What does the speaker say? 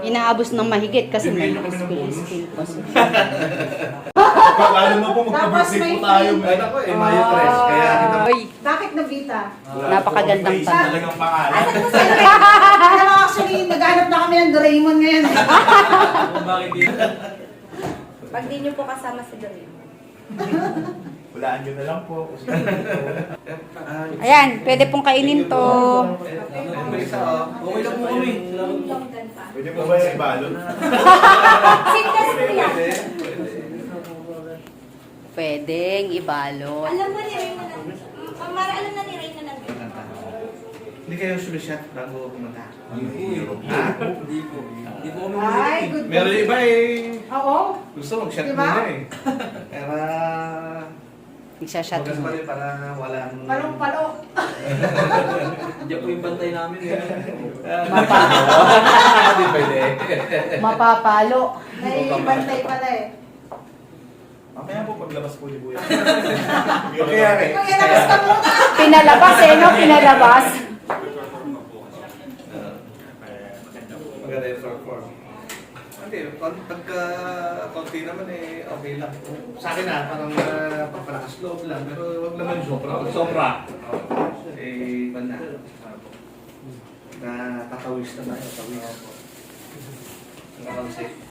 Inaabos ng mahigit kasi may Bibigyan niyo kami ng bonus. skill pa siya. Pag-alam mo po, magka-birthday po tayo. Ay, ako eh, Mayo 3. Kaya kita... Ay, Bakit nabita? napakagandang Face tanong. talagang pangalan. Asan mo sila? Alam mo, actually, naghanap na kami ng Doraemon ngayon. Bakit dito? Pag di nyo po kasama si Doraemon. Walaan nyo na lang po. Ayan, pwede pong kainin to. Okay lang po kami. Longgan pa. Pwede po ba yung ibalot? Sintas po yan. Pwedeng ibalot. Alam mo ni Reyna na. Mara, alam na ni Reyna na. Hindi kayo sumisyat bago pumunta? Hindi po. Hindi po. Hindi po kami Ay, good. Meron iba eh. Oo. Gusto mag-shot Diba? muna eh. Pero... Nagsashot Magas mo. pa rin para walang... Palong-palo. Hindi po yung bantay namin eh. Mapa- Hindi pwede. Mapapalo. May bantay pala eh. Mamaya po paglabas po ni Buya. Okay, okay. Mag-ilabas ka muna. Pinalabas eh, no? Pinalabas. Maganda yung short form. Hindi, pagka konti naman eh, okay lang. Sa akin parang papalakas loob lang, pero wag naman sobra. Pag sobra, eh, iba na. Na tatawis na tayo, tatawis. Nakakonsip.